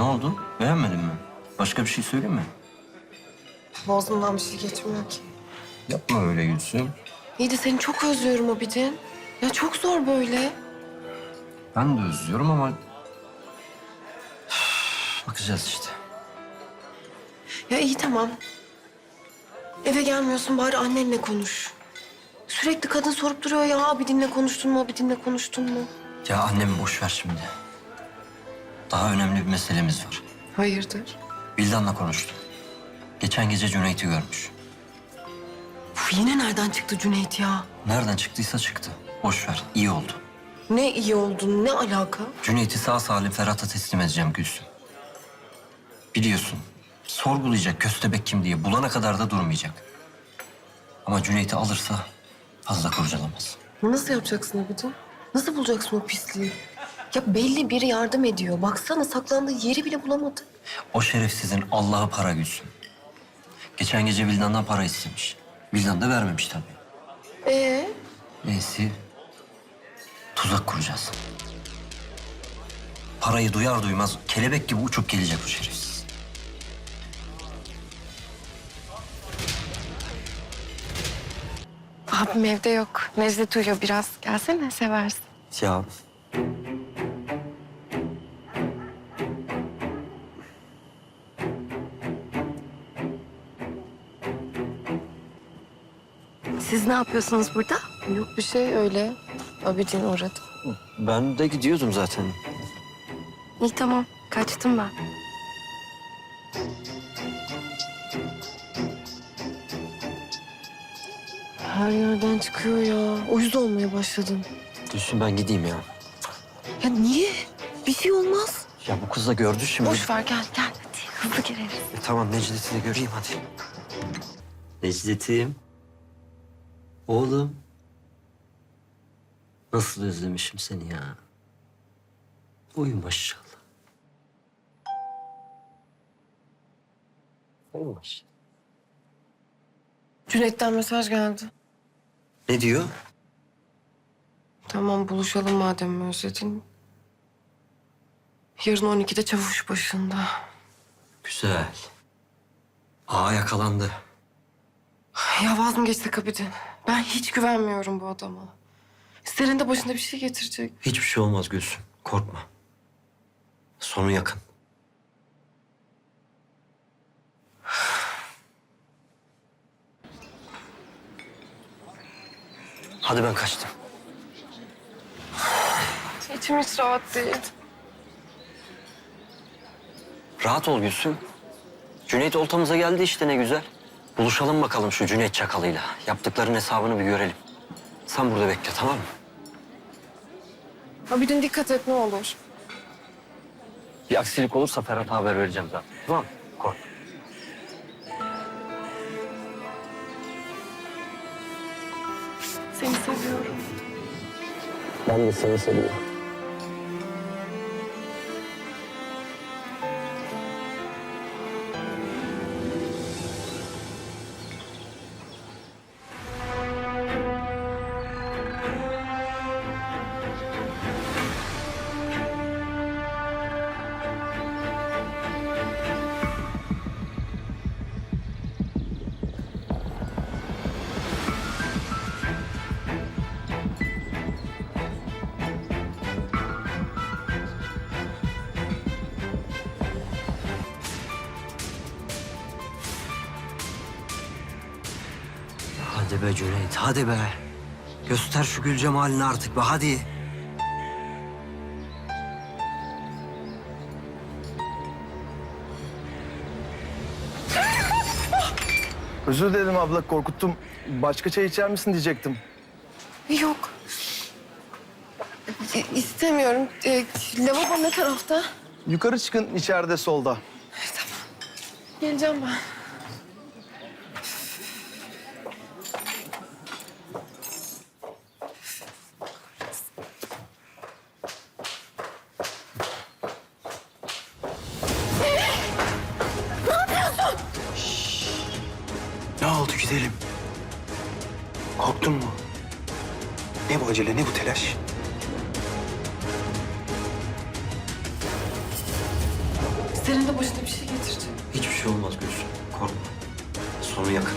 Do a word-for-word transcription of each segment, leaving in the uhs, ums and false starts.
oldu? Beğenmedin mi? Başka bir şey söyleyeyim mi? Boğazımdan bir şey geçmiyor ki. Yapma öyle Gülsüm. İyi de seni çok özlüyorum Abidin. Ya çok zor böyle. Ben de özlüyorum ama... Üf, bakacağız işte. Ya iyi tamam. Eve gelmiyorsun bari annenle konuş. Sürekli kadın sorup duruyor ya Abidin'le konuştun mu, Abidin'le konuştun mu? Ya annemi boş ver şimdi. Daha önemli bir meselemiz var. Hayırdır? Vildan'la konuştum. Geçen gece Cüneyt'i görmüş. Uf, yine nereden çıktı Cüneyt ya? Nereden çıktıysa çıktı. Boş ver, iyi oldu. Ne iyi oldun, ne alaka? Cüneyt'i sağ salim Ferhat'a teslim edeceğim Gülsüm. Biliyorsun, sorgulayacak köstebek kim diye bulana kadar da durmayacak. Ama Cüneyt'i alırsa fazla kurcalamaz. Nasıl yapacaksın Abidin? Nasıl bulacaksın o pisliği? Ya belli biri yardım ediyor. Baksana saklandığı yeri bile bulamadı. O şerefsizin Allah'ı para Gülsüm. Geçen gece Vildan'dan para istemiş. Vildan da vermemiş tabii. Ee? Neyse, tuzak kuracağız. Parayı duyar duymaz kelebek gibi uçup gelecek o şerefsiz. Abim evde yok. Necdet uyuyor biraz. Gelsene seversin. Ya Siz ne yapıyorsunuz burada? Yok bir şey öyle. Abidin uğradı. ben de gidiyordum zaten. İyi tamam. Kaçtım ben. Her yerden çıkıyor ya. Uyuz olmaya başladım. Gülsüm ben gideyim ya. Ya niye? Bir şey olmaz. Ya bu kız da gördü şimdi. Boş ver gel gel. Hadi hızlı gireriz. E, tamam Necdet'i de göreyim hadi. Necdet'im. Oğlum. Nasıl özlemişim seni ya. Uyu maşallah. Uyu maşallah. Cüneyt'ten mesaj geldi. Ne diyor? Tamam buluşalım madem özledin. Yarın on ikide çavuş başında. Güzel. Aa yakalandı. Ya vaz mı geçsek Abidin? Ben hiç güvenmiyorum bu adama. Senin de başına bir şey getirecek. Hiçbir şey olmaz Gülsüm. Korkma. Sonu yakın. Hadi ben kaçtım. İçim hiç rahat değil. Rahat ol Gülsüm. Cüneyt oltamıza geldi işte ne güzel. Buluşalım bakalım şu Cüneyt çakalıyla. Yaptıkların hesabını bir görelim. Sen burada bekle tamam mı? Abidin dikkat et ne olur. Bir aksilik olursa Ferhat'a haber vereceğim zaten. Tamam mı? Korkma. Seni seviyorum. Ben de seni seviyorum. Hadi be Cüneyt, hadi be. Göster şu gül cemalini artık be, hadi. Özür dilerim abla, korkuttum. Başka çay içer misin diyecektim. Yok. E, istemiyorum. E, lavabo ne tarafta? Yukarı çıkın, içeride solda. Geleceğim ben. Ne oldu gidelim. Korktun mu? Ne bu acele, ne bu telaş? Senin de başına bir şey getirecek. Hiçbir şey olmaz Gülsüm. Korkma. Sonu yakın.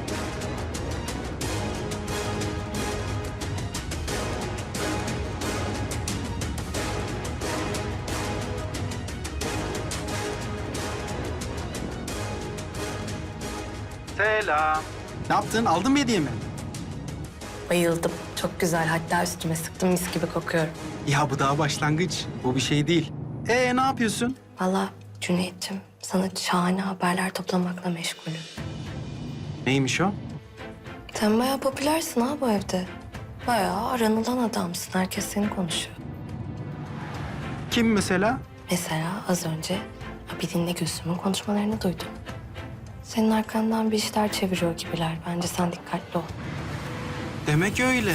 Selam. Ne yaptın? Aldın mı hediyemi? Bayıldım. Çok güzel. Hatta üstüme sıktım, mis gibi kokuyorum. Ya bu daha başlangıç. Bu bir şey değil. Ee ne yapıyorsun? Vallahi Cüneyt'ciğim, sana şahane haberler toplamakla meşgulüm. Neymiş o? Sen bayağı popülersin ha bu evde. Bayağı aranılan adamsın. Herkes seni konuşuyor. Kim mesela? Mesela az önce Abidin'le Gülsüm'ün konuşmalarını duydum. Senin arkandan bir işler çeviriyor gibiler. Bence sen dikkatli ol. Demek öyle.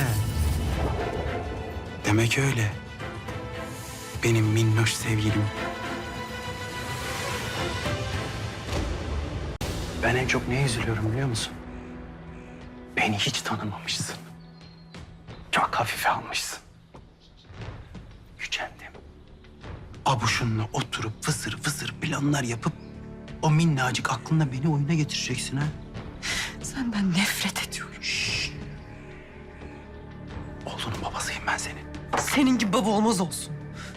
Demek öyle. Benim minnoş sevgilim. Ben en çok neye üzülüyorum biliyor musun? Beni hiç tanımamışsın. Çok hafife almışsın. Gücendim. Abuşunla oturup fısır fısır planlar yapıp o minnacık aklında beni oyuna getireceksin ha. Senden nefret ediyorum. Oğlunun babasıyım ben senin. Senin gibi baba olmaz olsun.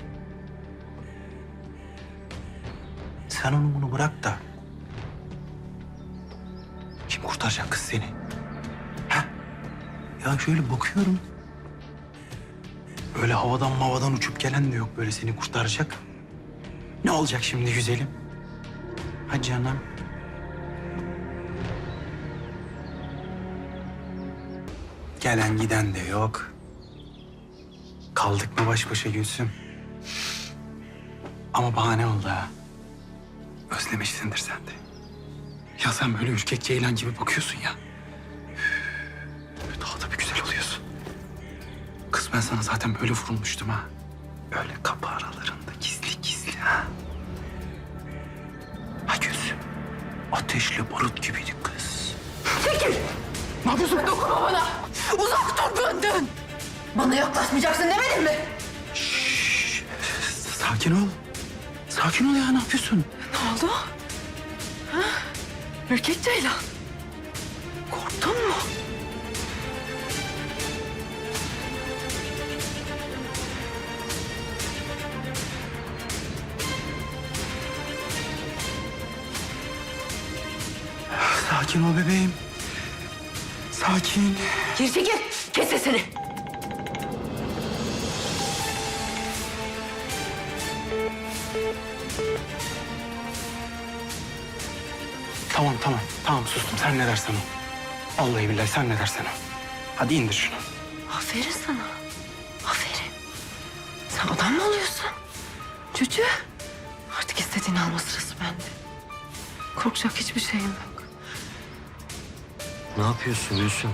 Sen onu bunu bırak da kim kurtaracak kız seni? Ha? Ya şöyle bakıyorum. Öyle havadan mavadan uçup gelen de yok böyle seni kurtaracak. Ne olacak şimdi güzelim? Ha canım. Gelen giden de yok. Kaldık mı baş başa Gülsüm? Ama bahane oldu ha. Özlemişsindir sen de. Ya sen böyle ürkek ceylan gibi bakıyorsun ya. Üf, daha da bir güzel oluyorsun. Kız ben sana zaten böyle vurulmuştum ha. Öyle kapı aralarında gizli gizli ha. Ha Gülsüm. Ateşli barut gibiydi kız. Çekil! Ne yapıyorsun? Dokunma bana! Uzak dur benden! Bana yaklaşmayacaksın demedim mi? Şşş. Sakin ol. Sakin ol ya ne yapıyorsun? Ne oldu? Ha? Ürkek Ceylan. Korktun mu? Sakin ol bebeğim. Sakin. Geri çekil! Kes sesini! Tamam tamam. Tamam sustum. Sen ne dersen o. Vallahi billahi sen ne dersen o. Hadi indir şunu. Aferin sana. Aferin. Sen adam mı oluyorsun? Cücü. Artık istediğini alma sırası bende. Korkacak hiçbir şeyim yok. Ne yapıyorsun Gülsüm?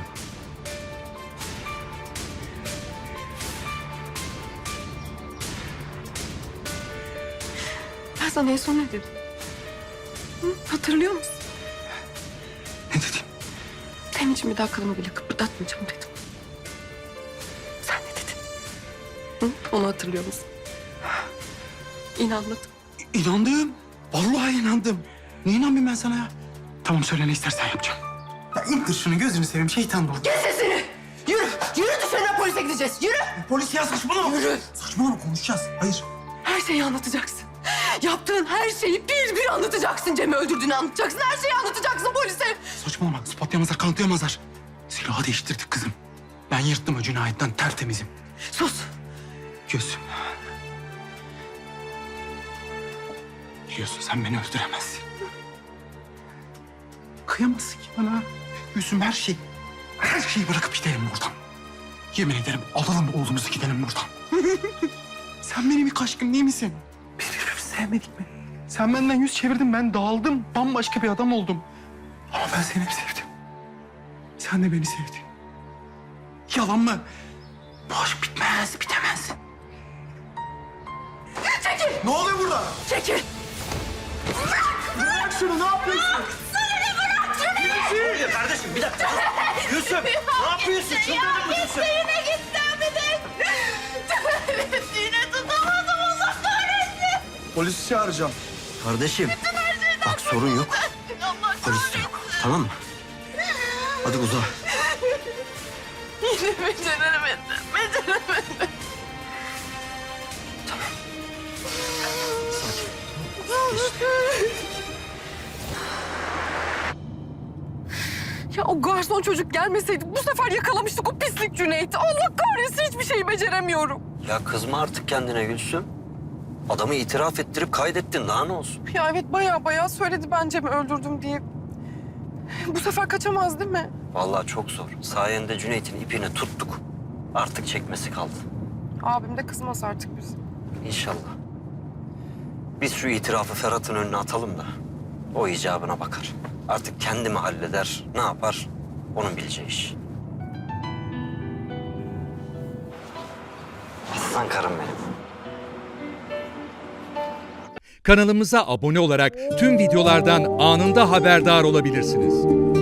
Ben sana en son ne dedim? Hı? Hatırlıyor musun? Ne dedin? Senin için bir daha kılımı bile kıpırdatmayacağım dedim. Sen ne dedin? Hı? Onu hatırlıyor musun? İnanmadım. İnandım. Vallahi inandım. Niye inanmayayım ben sana ya? Tamam söyle ne istersen yapacağım. Ya indir şunu gözünü seveyim şeytan dolu. Kes sesini! Yürü! Yürü dışarıda polise gideceğiz. Yürü! Polis ya saçmalama. Yürü! Saçmalama konuşacağız. Hayır. Her şeyi anlatacaksın. Yaptığın her şeyi bir bir anlatacaksın. Cem'i öldürdüğünü anlatacaksın. Her şeyi anlatacaksın polise. Saçmalama. Ispatlayamazlar, kanıtlayamazlar. Silahı değiştirdik kızım. Ben yırttım o cinayetten tertemizim. Sus! Gözüm. Biliyorsun sen beni öldüremezsin. Kıyamazsın ki bana. Gözüm her şey. Her şeyi bırakıp gidelim buradan. Yemin ederim alalım oğlumuzu gidelim buradan. Sen benim ilk aşkım değil misin? Biz birbirimizi sevmedik mi? Sen benden yüz çevirdin, ben dağıldım. Bambaşka bir adam oldum. Ama ben seni hep sevdim. Sen de beni sevdin. Yalan mı? Bu aşk bitmez, bitemez. Çekil! Ne oluyor burada? Çekil! Bırak şunu, ne yapıyorsun? Kardeşim bir dakika. Gülsüm ne yapıyorsun? Çıldırdın mı Gülsüm? Yine gitti Abidin. Yine tutamadım Allah kahretsin. Polisi çağıracağım. Kardeşim. Bak sorun yok. Polis de yok. Tamam mı? Hadi uza. Yine beceremedim. Beceremedim. Tamam. Sakin. Ya o garson çocuk gelmeseydi bu sefer yakalamıştık o pislik Cüneyt'i. Allah kahretsin hiçbir şeyi beceremiyorum. Ya kızma artık kendine Gülsüm. Adamı itiraf ettirip kaydettin. Daha ne olsun? Ya evet baya baya söyledi ben Cem'i öldürdüm diye. Bu sefer kaçamaz değil mi? Vallahi çok zor. Sayende Cüneyt'in ipini tuttuk. Artık çekmesi kaldı. Abim de kızmaz artık bize. İnşallah. Biz şu itirafı Ferhat'ın önüne atalım da o icabına bakar. Artık kendi mi halleder, ne yapar onun bileceği iş. Aslan karım benim. Kanalımıza abone olarak tüm videolardan anında haberdar olabilirsiniz.